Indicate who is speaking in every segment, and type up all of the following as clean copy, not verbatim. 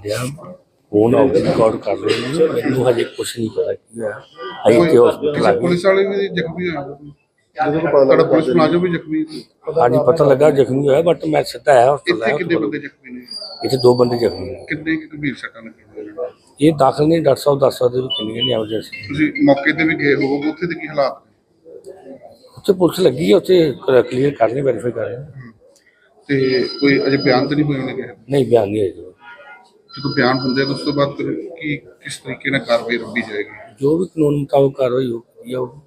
Speaker 1: ਡਿਆ ਫੋਨ ਆਊਗਾ ਰਿਕਾਰਡ ਕਰ ਰਹੇ ਨੇ। ਮੈਨੂੰ ਹਜੇ ਕੁਛ ਨਹੀਂ ਪਤਾ ਕੀ ਹੋਇਆ। ਅਸੀਂ ਇੱਥੇ ਹਸਪੀਟਲ ਆ ਗਏ।
Speaker 2: ਪੁਲਿਸ ਵਾਲੇ ਵੀ ਜ਼ਖਮੀ ਹੋਏ ਤੁਹਾਡਾ ਪੁਲਿਸ ਮੁਲਾਜ਼ਮ ਵੀ ਜ਼ਖਮੀ
Speaker 1: ਹਾਂਜੀ ਪਤਾ ਲੱਗਾ ਜ਼ਖਮੀ ਹੋਇਆ ਬਟ ਮੈਂ ਸਿੱਧਾ ਆਇਆ ਹਸਪਤਾਲ।
Speaker 2: ਇੱਥੇ ਕਿੰਨੇ ਬੰਦੇ ਜ਼ਖਮੀ ਨੇ?
Speaker 1: ਇੱਥੇ 2 ਬੰਦੇ ਜ਼ਖਮੀ ਨੇ।
Speaker 2: ਕਿੰਨੇ ਗੰਭੀਰ ਸੱਟਾਂ ਲੱਗੀਆਂ?
Speaker 1: ਇਹ ਦਾਖਲ ਨਹੀਂ, ਡਾਕਟਰ ਸਾਹਿਬ ਦੱਸ ਸਕਦੇ ਵੀ ਕਿੰਨੀਆਂ ਨੇ ਐਮਰਜੈਂਸੀ।
Speaker 2: ਤੁਸੀਂ ਮੌਕੇ ਤੇ ਵੀ ਗਏ ਹੋਵੋਗੇ, ਉੱਥੇ ਦੇ ਕੀ ਹਾਲਾਤ ਨੇ?
Speaker 1: ਉੱਥੇ ਪੁਲਿਸ ਲੱਗੀ ਹੈ, ਉੱਥੇ ਕਲੀਅਰ ਕਰ ਰਹੇ, ਵੈਰੀਫਾਈ ਕਰ ਰਹੇ।
Speaker 2: ਤੇ ਕੋਈ ਅਜੇ ਬਿਆਨ ਤਾਂ ਨਹੀਂ ਹੋਏ ਉਹਨੇ?
Speaker 1: ਨਹੀਂ ਬਿਆਨ ਨਹੀਂ ਹੈ।
Speaker 2: ਜਦੋਂ ਬਿਆਨ ਹੁੰਦੇ ਆ ਉਸ ਤੋਂ ਬਾਅਦ ਫਿਰ ਕੀ ਕਿਸ ਤਰੀਕੇ ਨਾਲ ਕਾਰਵਾਈ ਰੱਬੀ ਜਾਏਗੀ?
Speaker 1: ਜੋ ਵੀ ਕਾਨੂੰਨ ਮੁਤਾਬਕ ਕਾਰਵਾਈ ਹੋਊਗੀ ਉਹ।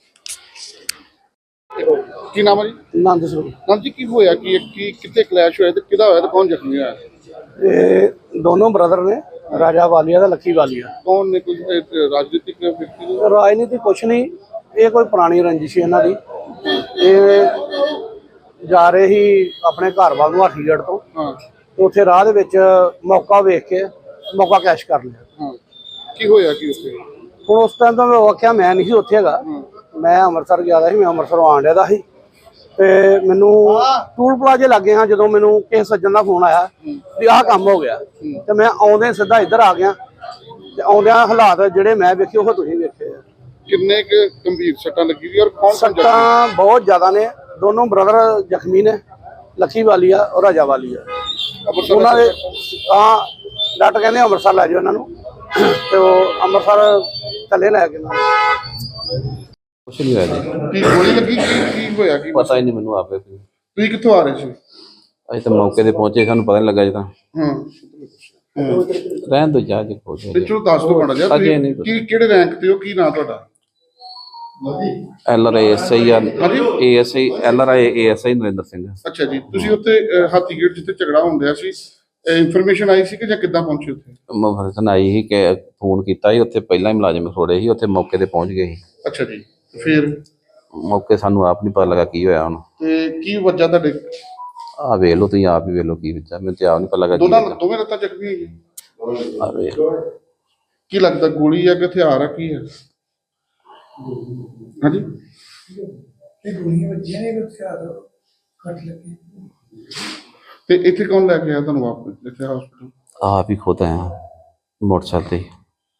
Speaker 2: ਕੀ ਨਾਮ ਹੈ ਜੀ?
Speaker 3: ਨੰਦ ਸਰੂਪ।
Speaker 2: ਨਾਮ ਜੀ, ਕੀ ਹੋਇਆ ਕੀ ਕਿੱਥੇ ਕਲੈਸ਼ ਹੋਇਆ ਤੇ ਕਿਹਦਾ ਹੋਇਆ ਤੇ ਕੌਣ ਜ਼ਖਮੀ ਹੋਇਆ?
Speaker 3: ਇਹ ਦੋਨੋਂ ਬ੍ਰਦਰ ਨੇ, ਰਾਜਾ ਵਾਲੀਆ ਦਾ ਲੱਕੀ ਵਾਲੀਆ।
Speaker 2: ਕੌਣ ਨੇ? ਕੋਈ ਰਾਜਨੀਤਿਕ ਵਿਅਕਤੀ ਨੇ?
Speaker 3: ਰਾਜਨੀਤੀ ਕੁਛ ਨਹੀਂ, ਇਹ ਕੋਈ ਪੁਰਾਣੀ ਰੰਜਿਸ਼ ਹੈ ਇਹਨਾਂ ਦੀ। ਇਹ ਜਾ ਰਹੇ ਹੀ ਆਪਣੇ ਘਰ ਵੱਲ ਨੂੰ ਹਾਥੀਗੜ੍ਹ ਤੋਂ।
Speaker 2: ਹਾਂ।
Speaker 3: ਤੇ ਉੱਥੇ ਰਾਹ ਦੇ ਵਿੱਚ ਮੌਕਾ ਵੇਖ ਕੇ ਮੌਕਾ ਕੈਸ਼ ਕਰ ਲਿਆ।
Speaker 2: ਹਾਂ, ਕੀ ਹੋਇਆ ਕੀ ਉੱਥੇ?
Speaker 3: ਹੁਣ ਉਸ ਟਾਈਮ ਤਾਂ ਮੈਂ ਆਖਿਆ ਮੈਂ ਨਹੀਂ ਸੀ ਉੱਥੇ ਹੈਗਾ, ਮੈਂ ਅੰਮ੍ਰਿਤਸਰ ਗਿਆ ਦਾ ਸੀ, ਮੈਂ ਅੰਮ੍ਰਿਤਸਰੋਂ ਆਉਣ ਡਿਆ ਦਾ ਸੀ। ਤੇ ਮੈਨੂੰ ਟੂਲ ਪਲਾਜ਼ੇ ਲੱਗੇ ਹਾਂ ਜਦੋਂ ਮੈਨੂੰ ਕਿਸੇ ਸੱਜਣ ਦਾ ਫੋਨ ਆਇਆ ਵੀ ਆਹ ਕੰਮ ਹੋ ਗਿਆ। ਤੇ ਮੈਂ ਆਉਂਦੇ ਸਿੱਧਾ ਇੱਧਰ ਆ ਗਿਆ ਤੇ ਆਉਂਦਿਆਂ ਹਾਲਾਤ ਜਿਹੜੇ ਮੈਂ ਵੇਖੇ ਉਹ ਤੁਸੀਂ ਵੇਖੇ ਆ।
Speaker 2: ਕਿੰਨੇ ਕੁ ਗੰਭੀਰ ਸੱਟਾਂ ਲੱਗੀ ਦੀ ਔਰ ਕੌਣ
Speaker 3: ਸੱਟਾਂ ਬਹੁਤ ਜ਼ਿਆਦਾ ਨੇ। ਦੋਨੋਂ ਬ੍ਰਦਰ ਜ਼ਖਮੀ ਨੇ, ਲੱਕੀ ਵਾਲੀਆ ਔਰ ਰਾਜਾ ਵਾਲੀਆ। ਉਹਨਾਂ ਦੇ ਡਾਕਟਰ ਕਹਿੰਦੇ ਅੰਮ੍ਰਿਤਸਰ ਲੈ ਜਾਓ ਇਹਨਾਂ ਨੂੰ, ਤੇ ਉਹ ਅੰਮ੍ਰਿਤਸਰ ਥੱਲੇ ਲੈ ਕੇ
Speaker 4: ਕੁਛ ਨਹੀਂ ਹੋਇਆ ਜੀ।
Speaker 2: ਕੀ ਗੋਲੀ ਲੱਗੀ? ਕੀ ਹੋਇਆ ਕੀ?
Speaker 4: ਪਤਾ ਹੀ ਨਹੀਂ ਮੈਨੂੰ ਆਪੇ।
Speaker 2: ਤੁਸੀਂ ਕਿੱਥੋਂ ਆ ਰਹੇ ਸੀ?
Speaker 4: ਅਸੀਂ ਤਾਂ ਮੌਕੇ ਤੇ ਪਹੁੰਚੇ, ਸਾਨੂੰ ਪਤਾ ਨਹੀਂ ਲੱਗਾ ਜੀ। ਤਾਂ
Speaker 2: ਹਾਂ,
Speaker 4: ਰਹਿਣ ਦੋ ਜਾ ਕੇ ਪਹੁੰਚੇ।
Speaker 2: ਤੇ ਚਲੋ ਦੱਸ ਦੋ ਮਾੜਾ ਜਿਹਾ ਕੀ ਕਿਹੜੇ ਰੈਂਕ ਤੇ ਹੋ, ਕੀ ਨਾਂ ਤੁਹਾਡਾ?
Speaker 4: LRI SI ASI LRI ASI Narendra Singh.
Speaker 2: ਅੱਛਾ ਜੀ, ਤੁਸੀਂ ਉੱਥੇ ਹਾਥੀਗੇਟ ਜਿੱਥੇ ਝਗੜਾ ਹੁੰਦਿਆ ਸੀ, ਇਨਫੋਰਮੇਸ਼ਨ ਆਈ ਸੀ ਕਿ ਜਾਂ ਕਿੱਦਾਂ ਪਹੁੰਚੇ ਉੱਥੇ?
Speaker 4: ਮਫਰਸਨ ਆਈ ਸੀ ਕਿ ਫੋਨ ਕੀਤਾ ਸੀ, ਉੱਥੇ ਪਹਿਲਾਂ ਹੀ ਮੁਲਾਜ਼ਮ ਖੜੋੜੇ ਸੀ, ਉੱਥੇ ਮੌਕੇ ਤੇ ਪਹੁੰਚ ਗਏ ਸੀ।
Speaker 2: ਅੱਛਾ ਜੀ, ਫਿਰ
Speaker 4: ਮੌਕੇ ਸਾਨੂੰ ਆਪ ਨਹੀਂ ਪਤਾ ਲੱਗਾ ਕੀ ਹੋਇਆ ਹੁਣ।
Speaker 2: ਤੇ ਕੀ ਵਜ੍ਹਾ ਤੁਹਾਡੇ?
Speaker 4: ਆਹ ਵੇਖ ਲਓ ਤੁਸੀਂ ਆਪ ਹੀ ਵੇਖ ਲਓ ਕੀ ਵਿੱਚ ਮੈਨੂੰ ਤੇ ਆਪ ਨਹੀਂ ਪਤਾ ਲੱਗਾ।
Speaker 2: ਦੋਵੇਂ ਲੱਤਾਂ ਜ਼ਖਮੀ ਹੋਈਆਂ?
Speaker 4: ਆਹ ਵੇਖ
Speaker 2: ਕੀ ਲੱਗਦਾ ਗੋਲੀ ਆ ਕਿ ਹਥਿਆਰ ਆ, ਕੀ ਹੈ? ਹਾਂਜੀ,
Speaker 5: ਗੋਲੀਆਂ ਵੱਜੀਆਂ ਨੇ, ਹਥਿਆਰ ਕੱਟ ਲੱਗੇ।
Speaker 2: ਤੇ ਇੱਥੇ ਕੌਣ ਲੈ ਕੇ ਆਇਆ ਤੁਹਾਨੂੰ ਵਾਪਸ ਇੱਥੇ ਹਸਪੀਟਲ?
Speaker 4: ਆਪ ਹੀ ਖੁਦ ਆਇਆ मोटरसाइकिल ਤੇ।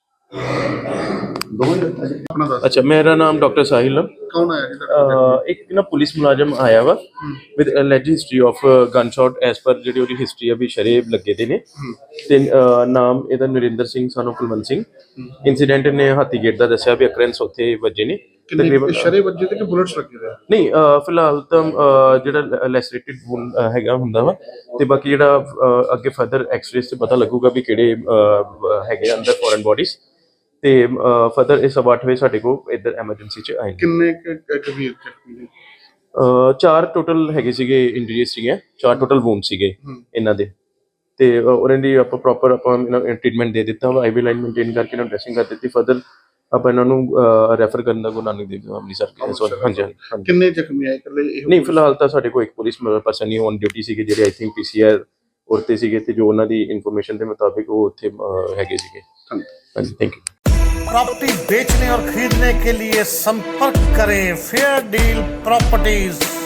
Speaker 2: ਆਪਣਾ ਦੱਸ।
Speaker 6: अच्छा, मेरा नाम डॉक्टर साहिल है।
Speaker 2: कौन आया जी?
Speaker 6: एक ना पुलिस मुलाजम आया वा with alleged history of gun shot as per ਜਿਹੜੀ ਉਹਦੀ ਹਿਸਟਰੀ ਆ ਵੀ ਸ਼ਰੇਬ ਲੱਗੇ ਦੇ ਨੇ। ਤੇ ਨਾਮ ਇਹਦਾ ਨਰਿੰਦਰ ਸਿੰਘ ਸਾਨੂੰ ਕੁਲਵੰਤ ਸਿੰਘ। ਇਨਸੀਡੈਂਟ ਨੇ ਹਾਥੀਗੇਟ ਦਾ ਦੱਸਿਆ ਵੀ ਅਕਰੈਂਸ ਉੱਥੇ ਵੱਜੇ ਨੇ
Speaker 2: ਤਕਰੀਬਨ। ਸ਼ਰੇ ਵੱਜੇ ਤੇ ਕਿ ਬੁਲਟਸ ਲੱਗੇ ਹੋਏ?
Speaker 6: ਨਹੀਂ, ਫਿਲਹਾਲ ਤਾਂ ਜਿਹੜਾ ਲੈਸਰੇਟਿਡ ਵੂਨ ਹੈਗਾ ਹੁੰਦਾ ਵਾ, ਤੇ ਬਾਕੀ ਜਿਹੜਾ ਅੱਗੇ ਫਰਦਰ ਐਕਸ-ਰੇਜ਼ ਤੇ ਪਤਾ ਲੱਗੂਗਾ ਵੀ ਕਿਹੜੇ ਹੈਗੇ ਅੰਦਰ ਫੋਰਨ ਬੋਡੀਜ਼। ਤੇ ਫਰਦਰ ਇਸ 8 ਵਜੇ ਸਾਡੇ ਕੋਲ ਇੱਧਰ ਐਮਰਜੈਂਸੀ ਚ ਆਏ।
Speaker 2: ਕਿੰਨੇ ਗੰਭੀਰ ਜ਼ਖਮੀ ਨੇ?
Speaker 6: 4 ਟੋਟਲ ਹੈਗੇ ਸੀਗੇ, ਇੰਜਰੀਜ਼ ਸੀਗੇ, 4 ਟੋਟਲ ਵੂਨ ਸੀਗੇ ਇਹਨਾਂ ਦੇ। ਤੇ ਉਹਨਾਂ ਦੀ ਆਪਾਂ ਪ੍ਰੋਪਰ ਟ੍ਰੀਟਮੈਂਟ ਦੇ ਦਿੱਤਾ ਵਾ, ਆਈਵੀ ਲਾਈਨ ਮੇਨਟੇਨ ਕਰਕੇ ਇਹਨਾਂ ਨੂੰ ਡਰੈਸਿੰਗ ਕਰ ਦਿੱਤੀ। ਫਰਦਰ ਆਪਾਂ ਇਹਨਾਂ ਨੂੰ ਰੈਫਰ ਕਰਨ ਦਾ ਗੁਰੂ ਨਾਨਕ ਦੇਵ ਅੰਮ੍ਰਿਤਸਰ। ਹਾਂਜੀ।
Speaker 2: ਕਿੰਨੇ ਜ਼ਖਮੀ ਆਏ? ਇਕੱਲੇ?
Speaker 6: ਨਹੀਂ, ਫਿਲਹਾਲ ਤਾਂ ਸਾਡੇ ਕੋਲ ਇੱਕ ਪੁਲਿਸ ਪਰਸਨ ਹੀ ਔਨ ਡਿਊਟੀ ਸੀਗੇ ਜਿਹੜੇ ਆਈ ਥਿੰਕ PCR ਉਰਤੇ ਸੀਗੇ, ਤੇ ਜੋ ਉਹਨਾਂ ਦੀ ਇਨਫੋਰਮੇਸ਼ਨ ਦੇ ਮੁਤਾबिक ਉਹ ਉੱਥੇ ਹੈਗੇ ਸੀਗੇ। ਹਾਂਜੀ, ਥੈਂक यू।
Speaker 7: प्रॉपर्टी बेचने और खरीदने के लिए संपर्क करें फेयर डील प्रॉपर्टीज।